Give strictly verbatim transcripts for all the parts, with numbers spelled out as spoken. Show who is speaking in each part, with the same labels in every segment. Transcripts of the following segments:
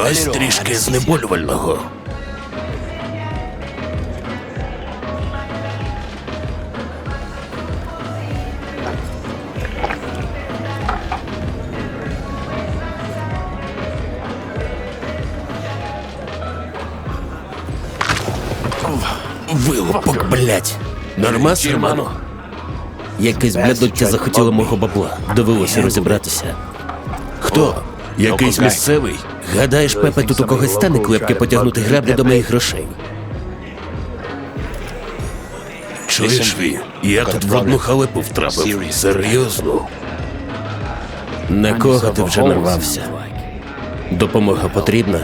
Speaker 1: Ось трішки знеболювального. Вилупок, блять. Нормас, Романо? Якесь блядоття захотіло мого бабла. Довелося розібратися. Хто? Якийсь місцевий? Гадаєш, Пепе тут у когось стане клепки потягнути граблі до моїх грошей? Чуєш, Ві? Я тут в одну халепу втрапив. Серйозно? На кого ти вже нарвався? Допомога потрібна?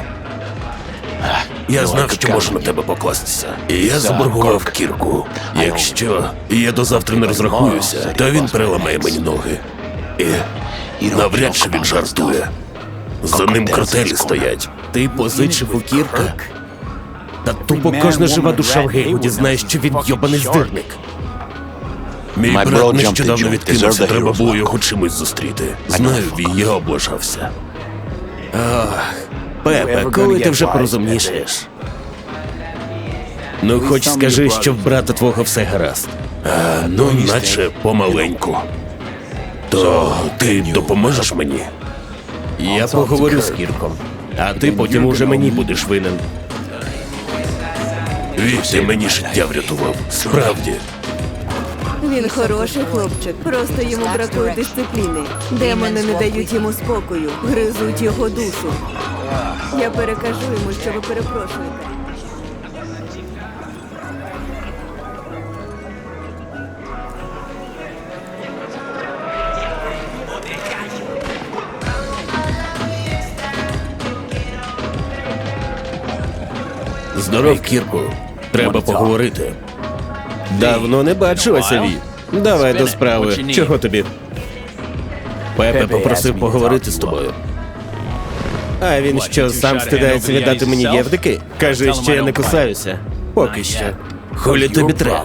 Speaker 1: Я знав, що можу на тебе покластися. І я заборгував Кірку. Якщо я до завтра не розрахуюся, то він переламає мені ноги. І навряд чи він жартує. За ним картелі стоять. Ти позичив у Кірка? Та тупо кожна жива душа в Гейвуді знає, що він йобаний здирник. Мій брат нещодавно відкинувся, треба було його чимось зустріти. Знаю, Ві, я облажався. Ах, Пепе, коли ти вже порозумнішаєш? Ну, хоч скажи, що в брата твого все гаразд. А, ну, наче помаленьку. То ти допоможеш мені? Я поговорю з Кірком, а ти потім уже мені будеш винен. Ві, ти мені життя врятував, справді.
Speaker 2: Він хороший хлопчик, просто йому бракує дисципліни. Демони не дають йому спокою, гризуть його душу. Я перекажу йому, що ви перепрошуєте.
Speaker 1: Здоров, Кірку. Треба поговорити.
Speaker 3: Давно не бачилася, Ві. Давай до справи. Чого тобі?
Speaker 1: Пепе попросив поговорити з тобою.
Speaker 3: А він що, сам стидається віддати мені євдики? Каже, що я не кусаюся. Поки що.
Speaker 1: Холі тобі треба.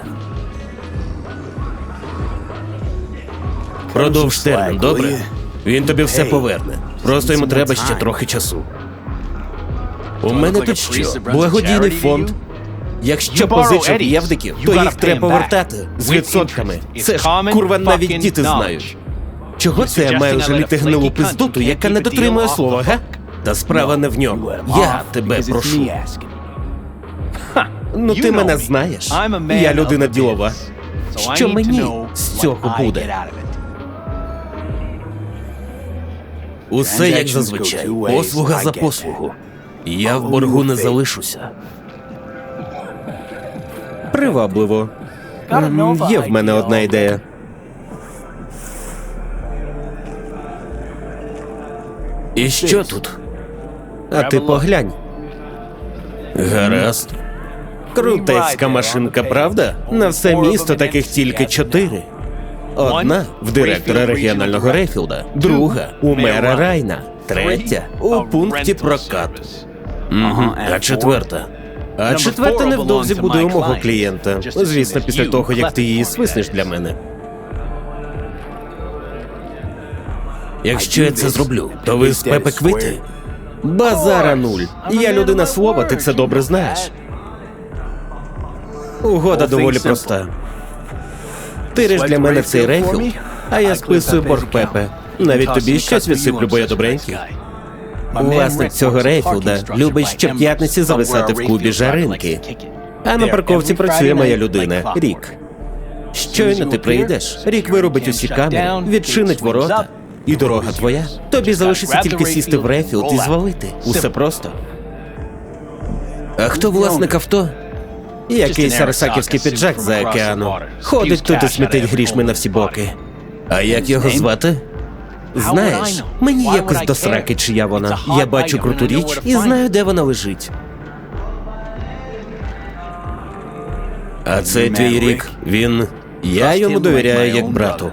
Speaker 1: Продовж термін, добре? Він тобі все поверне. Просто йому треба ще трохи часу. У мене тут що? Благодійний фонд. Якщо позичив євдиків, то їх треба повертати з відсотками. Це ж, курва, навіть діти знають. Чого це я маю жаліти гнилу пиздоту, яка не дотримує слова, га? Та справа не в ньому. Я тебе прошу.
Speaker 3: Ну ти мене знаєш. Я людина ділова. Що мені з цього буде?
Speaker 1: Усе як зазвичай. Послуга за послугу. Я в боргу не залишуся.
Speaker 3: Привабливо. М, Є в мене одна ідея.
Speaker 1: І що тут?
Speaker 3: А ти поглянь.
Speaker 1: Гаразд.
Speaker 3: Крутецька машинка, правда? На все місто таких тільки чотири. Одна в директора регіонального Рейфілда, друга у мера Райна, третя у пункті прокату.
Speaker 1: Угу. А четверта?
Speaker 3: А четверта невдовзі буде у мого клієнта. Звісно, після того, як ти її свиснеш для мене.
Speaker 1: Якщо я це зроблю, то ви з Пепе квити?
Speaker 3: Базара нуль. Я людина слова, ти це добре знаєш. Угода доволі проста. Тириш для мене цей Рейфілд, а я списую борг Пепе. Навіть тобі щось відсиплю, бо я добренький. Власник цього Рейфілда любить щоп'ятниці зависати в клубі жаринки. А на парковці працює моя людина, Рік. Щойно ти прийдеш, Рік виробить усі камери, відчинить ворота, і дорога твоя. Тобі залишиться тільки сісти в Рейфілд і звалити. Усе просто.
Speaker 1: А хто власник авто?
Speaker 3: Якийсь арсаківський піджак за океану. Ходить тут і смітить грішми на всі боки.
Speaker 1: А як його звати?
Speaker 3: Знаєш, мені якось до сраки, чия вона. Я бачу круту річ і знаю, де вона лежить.
Speaker 1: А цей твій Рік, він...
Speaker 3: Я йому довіряю як брату.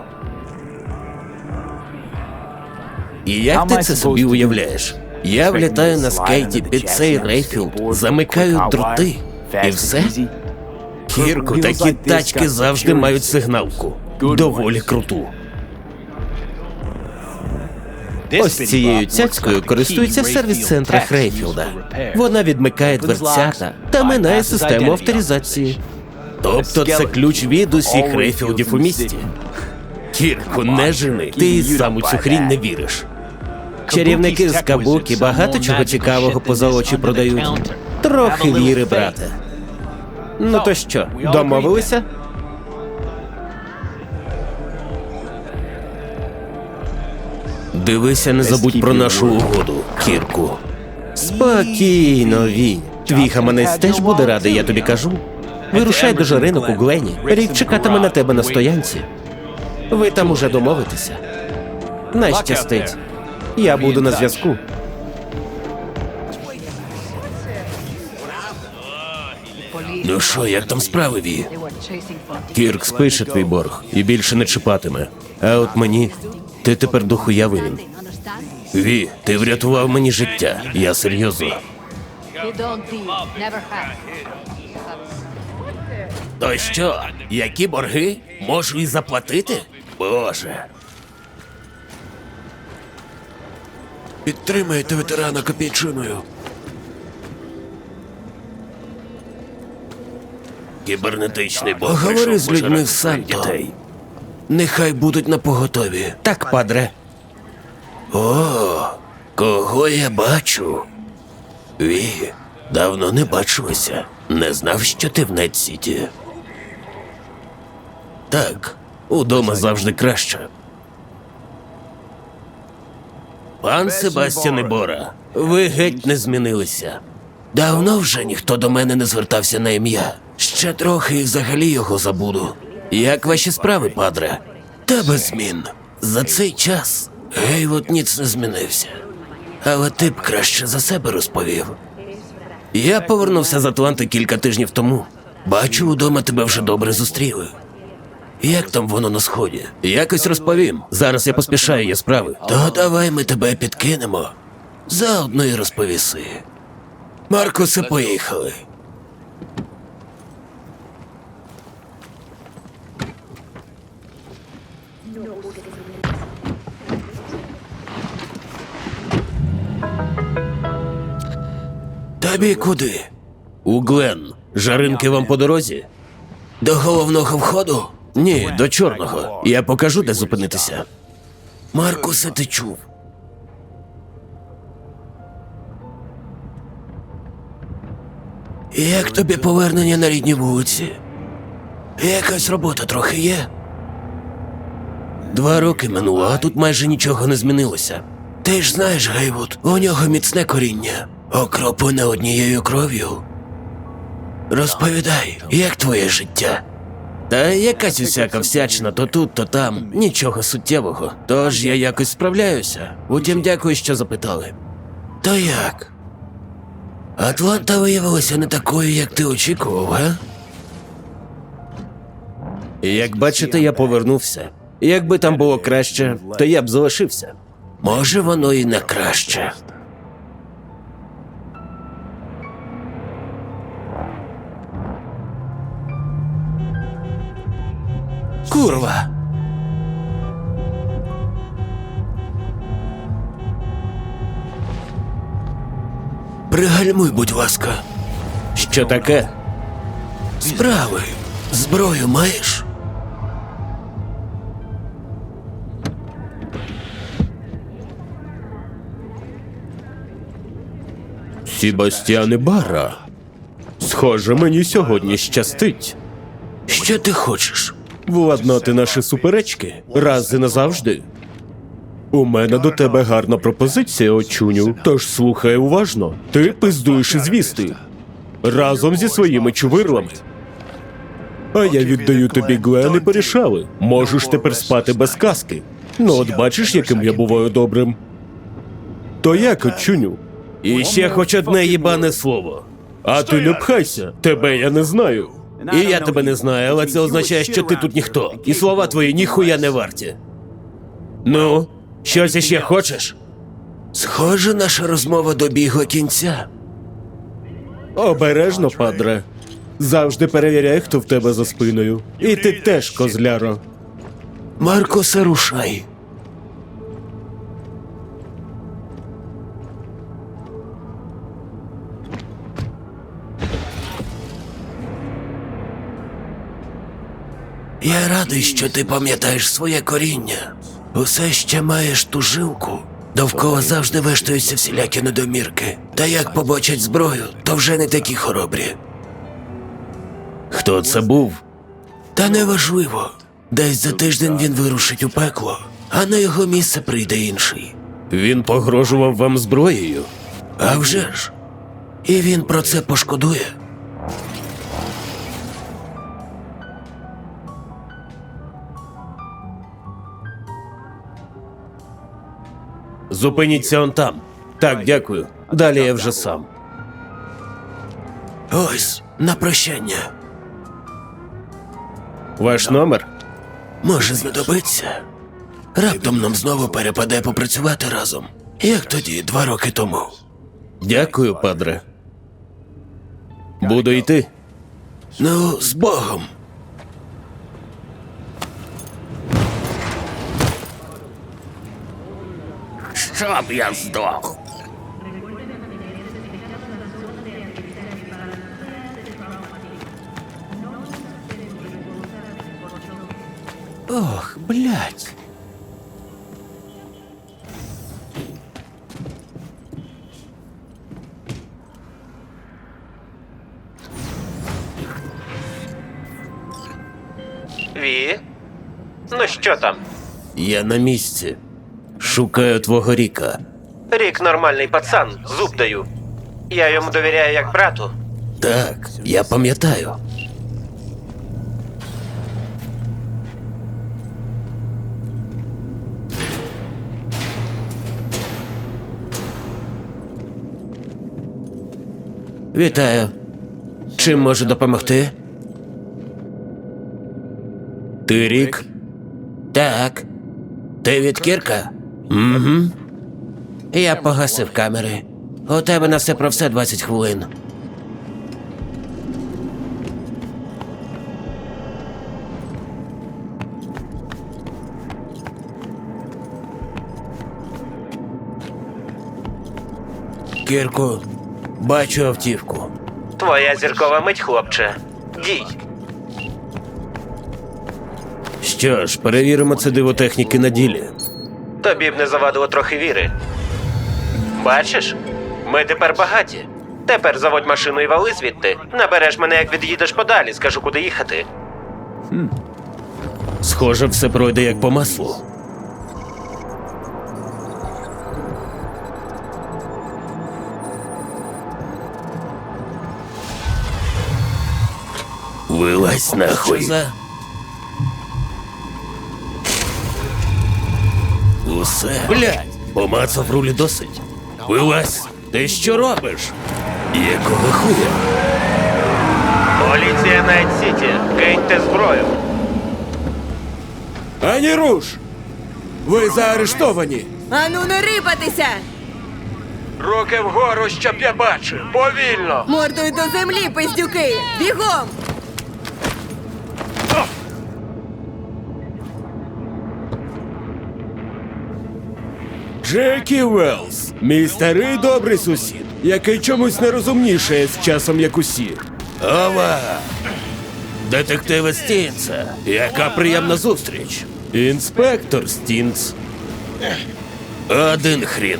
Speaker 1: І як ти це собі уявляєш? Я влітаю на скейті під цей Рейфілд, замикаю дроти, і все? Кірку, такі тачки завжди мають сигналку. Доволі круту.
Speaker 3: Ось цією цяцькою користується в сервіс-центрах Рейфілда. Вона відмикає дверцята та минає систему авторизації.
Speaker 1: Тобто це ключ від усіх Рейфілдів у місті. Кірку, не жени. Ти і сам у цю хрінь не віриш.
Speaker 3: Чарівники з Кабукі багато чого цікавого поза очі продають. Трохи віри, брате. Ну то що, домовилися?
Speaker 1: Дивися, не забудь про нашу угоду, Кірку.
Speaker 3: Спокійно, Ві. Твій гаманець теж буде радий, я тобі кажу. Вирушай до жаринок у Глені. Рік чекатиме на тебе на стоянці. Ви там уже домовитеся. Найщастить. Я буду на зв'язку.
Speaker 1: Ну що, як там справи, Ві?
Speaker 3: Кірк спише твій борг і більше не чіпатиме. А от мені, ти тепер дохуя винен.
Speaker 1: Ві, ти врятував мені життя. Я серйозно.
Speaker 4: You don't deal, never have.
Speaker 1: То що, які борги? Можу і заплатити? Боже. Підтримайте ветерана копійчиною. Кібернетичний бог. Поговори з людьми в Санто. Нехай будуть на поготові.
Speaker 3: Так, падре.
Speaker 1: О, кого я бачу? Ві, давно не бачилися. Не знав, що ти в Нетсіті. Так, удома завжди краще. Пан Себастьяне Бора, ви геть не змінилися. Давно вже ніхто до мене не звертався на ім'я. Ще трохи і взагалі його забуду. Як ваші справи, падре? Та без змін. За цей час Гейвот ніц не змінився. Але ти б краще за себе розповів. Я повернувся з Атланти кілька тижнів тому. Бачу, удома тебе вже добре зустріли. Як там воно на сході? Якось розповім. Зараз я поспішаю, є справи. То давай ми тебе підкинемо. Заодно й розповіси. Маркусе, поїхали. Тобі куди? У Глен. Жаринки вам по дорозі? До головного входу? Ні, до чорного. Я покажу, де зупинитися. Маркусе, ти чув? Як тобі повернення на рідні вулиці? Якась робота трохи є? Два роки минуло, а тут майже нічого не змінилося. Ти ж знаєш, Гейвуд, у нього міцне коріння, окроплене однією кров'ю. Розповідай, як твоє життя? Та якась усяка всячина, то тут, то там, нічого суттєвого. Тож я якось справляюся. Утім, дякую, що запитали. То як? Атланта виявилася не такою, як ти очікував, га?
Speaker 3: Як бачите, я повернувся. Якби там було краще, то я б залишився.
Speaker 1: Може, воно і не краще.
Speaker 3: Курва!
Speaker 1: Пригальмуй, будь ласка.
Speaker 3: Що таке?
Speaker 1: Справи. Зброю маєш?
Speaker 3: Себастьяне Бара. Схоже, мені сьогодні щастить.
Speaker 1: Що ти хочеш?
Speaker 3: Владнати наші суперечки раз і назавжди. У мене до тебе гарна пропозиція, очуню, тож слухай уважно. Ти пиздуєш із вісти. Разом зі своїми чувирлами. А я віддаю тобі Глен і порішали. Можеш тепер спати без каски. Ну от бачиш, яким я буваю добрим. То як, очуню?
Speaker 1: І ще хоч одне їбане слово.
Speaker 3: А ти не пхайся, тебе я не знаю.
Speaker 1: І я тебе не знаю, але це означає, що ти тут ніхто. І слова твої ніхуя не варті. Ну, щось іще хочеш? Схоже, наша розмова добігла кінця.
Speaker 3: Обережно, падре. Завжди перевіряй, хто в тебе за спиною. І ти теж, козляро.
Speaker 1: Маркосе, рушай. Я радий, що ти пам'ятаєш своє коріння. Усе ще маєш ту жилку. Довкола завжди вештаються всілякі недомірки. Та як побачать зброю, то вже не такі хоробрі. Хто це був? Та неважливо. Десь за тиждень він вирушить у пекло, а на його місце прийде інший. Він погрожував вам зброєю? А вже ж. І він про це пошкодує.
Speaker 3: Зупиніться он там. Так, дякую. Далі я вже сам.
Speaker 1: Ось, на прощання.
Speaker 3: Ваш номер?
Speaker 1: Може знадобиться. Раптом нам знову перепаде попрацювати разом. Як тоді, два роки тому.
Speaker 3: Дякую, падре. Буду йти.
Speaker 1: Ну, з Богом. Щоб я здох.
Speaker 3: Ох, блядь. Ві? Ну що там?
Speaker 1: Я на місці. Шукаю твого Ріка.
Speaker 3: Рік нормальний пацан, зуб даю. Я йому довіряю як брату.
Speaker 1: Так, я пам'ятаю. Вітаю. Чим можу допомогти? Ти Рік? Так. Ти від Кірка? Угу. Я погасив камери. У тебе на все про все двадцять хвилин. Кірку, бачу автівку.
Speaker 3: Твоя зіркова мить, хлопче. Дій.
Speaker 1: Що ж, перевіримо це диво техніки на ділі.
Speaker 3: Тобі б не завадило трохи віри. Бачиш? Ми тепер багаті. Тепер заводь машину і вали звідти. Набереш мене, як від'їдеш подалі, скажу, куди їхати.
Speaker 1: Схоже, все пройде як по маслу. Вилазь нахуй. Усе. Блядь, помацав рулі досить. Вилазь. Ти що робиш? Якого хуя?
Speaker 3: Поліція Найт-Сіті, киньте зброю.
Speaker 1: Ані руш! Ви заарештовані.
Speaker 2: Ану, не рипатися!
Speaker 3: Руки вгору, щоб я бачив. Повільно.
Speaker 2: Мордою до землі, пиздюки! Бігом!
Speaker 1: Джекі Велс, мій старий добрий сусід, який чомусь не розумнішає з часом, як усі. Ова! Детективи Стінца. Яка приємна зустріч. Інспектор Стінц. Один хрін.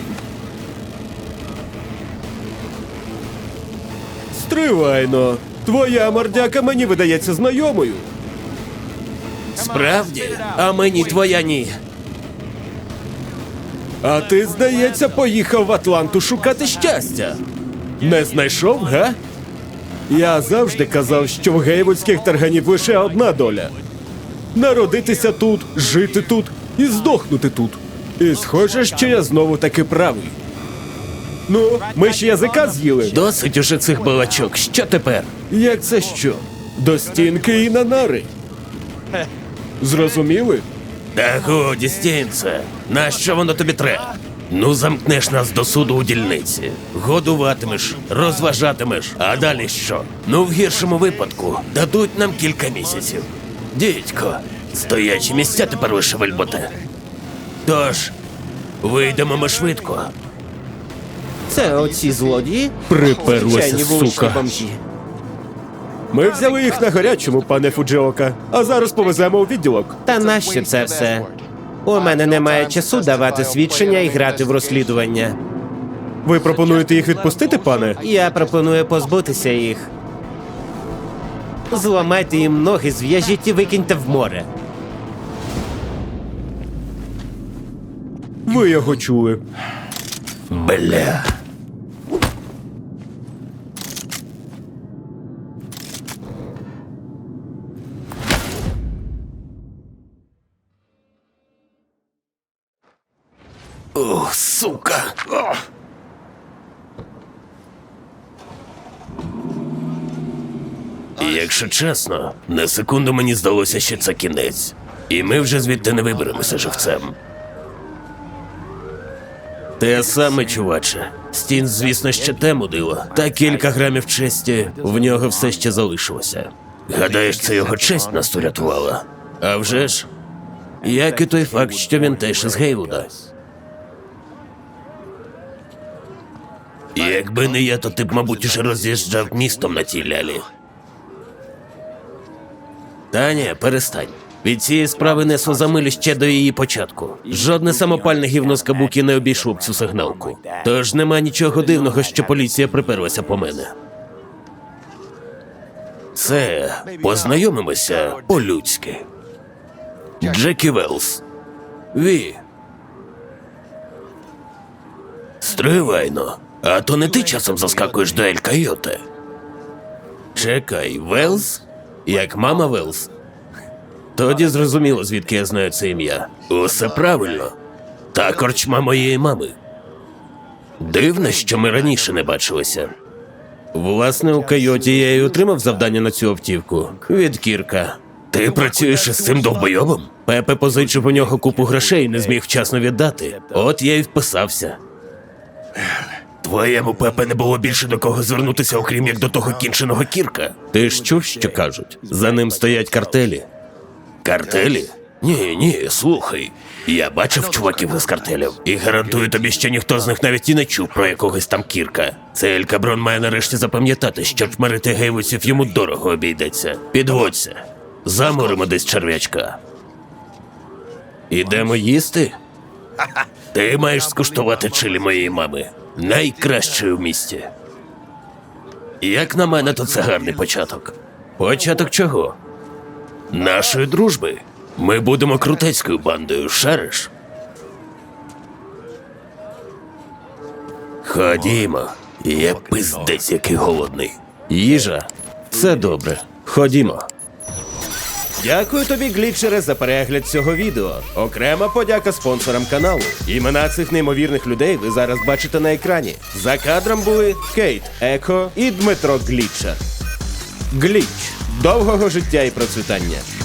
Speaker 1: Стривайно. Твоя мордяка мені видається знайомою. Справді? А мені твоя ні. А ти, здається, поїхав в Атланту шукати щастя. Не знайшов, га? Я завжди казав, що в гейвудських тарганів лише одна доля. Народитися тут, жити тут і здохнути тут. І схоже, що я знову таки правий. Ну, ми ж язика з'їли. Досить уже цих балачок. Що тепер? Як це що? До стінки і на нари. Зрозуміли? Та годі, Стінце. Нащо воно тобі треба? Ну, замкнеш нас до суду у дільниці. Годуватимеш, розважатимеш. А далі що? Ну, в гіршому випадку дадуть нам кілька місяців. Дідько, стоячі місця тепер лише вельботе. Тож, вийдемо ми швидко.
Speaker 3: Це оці злодії?
Speaker 1: Приперлася,
Speaker 3: Звичайні вуличні
Speaker 1: сука.
Speaker 3: бомжі.
Speaker 5: Ми взяли їх на гарячому, пане Фуджіока, а зараз повеземо у відділок.
Speaker 3: Та нащо це все? У мене немає часу давати свідчення і грати в розслідування.
Speaker 5: Ви пропонуєте їх відпустити, пане?
Speaker 3: Я пропоную позбутися їх. Зламайте їм ноги, зв'яжіть і викиньте в море.
Speaker 5: Ви його чули.
Speaker 1: Бля. Ох, сука. Ох. Якщо чесно, на секунду мені здалося, що це кінець. І ми вже звідти не виберемося живцем. Те саме, чуваче. Стін, звісно, ще те мудило, та кілька грамів честі в нього все ще залишилося. Гадаєш, це його честь нас урятувала? А вже ж, як і той факт, що він теж із Гейвуда. Якби не я, то ти б, мабуть, уже роз'їжджав містом на тій лялі. Та ні, перестань. Від цієї справи несло за милю ще до її початку. Жодне самопальне гівно з кабуки не обійшло б цю сигналку. Тож нема нічого дивного, що поліція приперлася по мене. Це познайомимося по-людськи. Джекі Велс. Ві. Стривайно. А то не ти часом заскакуєш до Ель Койоте? Чекай, Велс? Як мама Велс? Тоді зрозуміло, звідки я знаю це ім'я. Усе правильно. Та корчма моєї мами. Дивно, що ми раніше не бачилися. Власне, у Койоті я й отримав завдання на цю автівку. Від Кірка. Ти працюєш із цим довбойобом? Пепе позичив у нього купу грошей і не зміг вчасно віддати. От я й вписався. Твоєму Пепе не було більше до кого звернутися, окрім як до того кінченого Кірка. Ти ж чув, що кажуть? За ним стоять картелі. Картелі? Ні, ні, слухай. Я бачив чуваків із картелів, і гарантую тобі, що ніхто з них навіть і не чув про якогось там Кірка. Цей Ель Каброн має нарешті запам'ятати, що чмирити гейвусів йому дорого обійдеться. Підводься. Заморимо десь черв'ячка. Ідемо їсти? Ти маєш скуштувати чилі моєї мами. Найкращої в місті. Як на мене, то це гарний початок. Початок чого? Нашої дружби. Ми будемо крутецькою бандою, шариш? Ходімо. Я пиздець який голодний. Їжа. Все добре. Ходімо.
Speaker 5: Дякую тобі, глітчере, за перегляд цього відео. Окрема подяка спонсорам каналу. Імена цих неймовірних людей ви зараз бачите на екрані. За кадром були Кейт Еко і Дмитро Глітчер. Гліч. Довгого життя і процвітання.